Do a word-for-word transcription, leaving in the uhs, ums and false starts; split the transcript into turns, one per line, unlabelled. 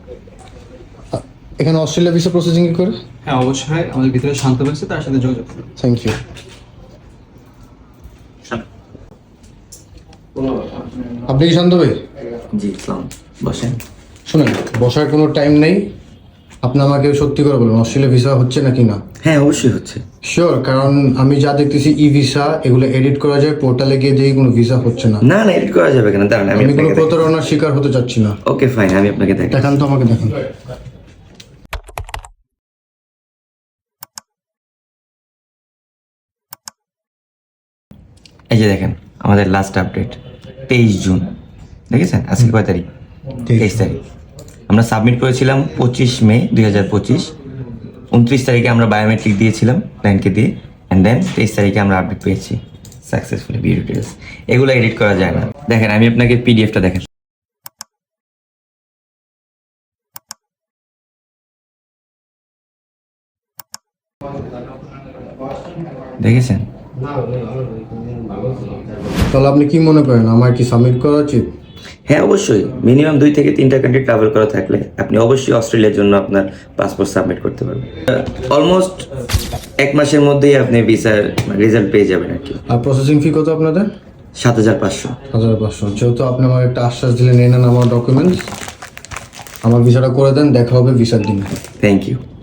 এখানে Australia visa processing কি করে?
হ্যাঁ অবশ্যই, আমাদের ভিতরে শান্ত হয়েছে, তার সাথে যোগাযোগ করুন।
Thank you. আপনি কি শান্ত ভাই?
জি ইসলাম, বসেন।
শুনেন, বসার কোনো টাইম নেই। আপনি আমাকে সত্যি করে বলুন অস্ট্রেলিয়া ভিসা হচ্ছে নাকি না?
হ্যাঁ অবশ্যই হচ্ছে।
শিওর? কারণ আমি যা দেখতেছি ই ভিসা এগুলো এডিট করা যায়, পোর্টালে গিয়ে দেখি কোনো ভিসা হচ্ছে না।
না না এডিট করা যাবে কেন, দাঁড়ান আমি
আমি কোনো
আপনাকে
প্রতারণার শিকার হতে চাচ্ছি না।
ওকে ফাইন, আমি আপনাকে দেখাই।
দেখান তো, আমাকে দেখান।
এই যে দেখেন আমাদের লাস্ট আপডেট তেইশ জুন, দেখেছেন? আজকে কয় তারিখ? তেইশ তারিখ। আমরা সাবমিট করেছিলাম পঁচিশ মে দুই হাজার পঁচিশ। উনত্রিশ তারিখে আমরা বায়োমেট্রিক দিয়েছিলাম ব্যাংকে দিয়ে, অ্যান্ড দেন তেইশ তারিখে আমরা আপডেট পেয়েছি সাকসেসফুলি ভিউ ডিটেলস। এগুলো এডিট করা যায় না। দেখেন আমি আপনাকে পিডিএফটা দেখেন। দেখেছেন?
তাহলে আপনি কি মনে করেন আমার কি সাবমিট করা উচিত?
হ্যাঁ অবশ্যই, মিনিমাম দুই থেকে তিনটা কান্ট্রি ট্রাভেল করা থাকলে আপনি অবশ্যই অস্ট্রেলিয়ার জন্য আপনার পাসপোর্ট সাবমিট করতে পারবেন। অলমোস্ট এক মাসের মধ্যেই আপনি ভিসার রেজাল্ট পেয়ে যাবেন আর কি।
আর প্রসেসিং ফি কত আপনাদের?
সাত হাজার পাঁচশো।
হাজার পাঁচশো। যেহেতু আপনি আমাকে একটা আশ্বাস দিলেন, নিয়ে নেন আমার ডকুমেন্টস, আমার ভিসাটা করে দেন, দেখা হবে ভিসার দিন।
Thank you.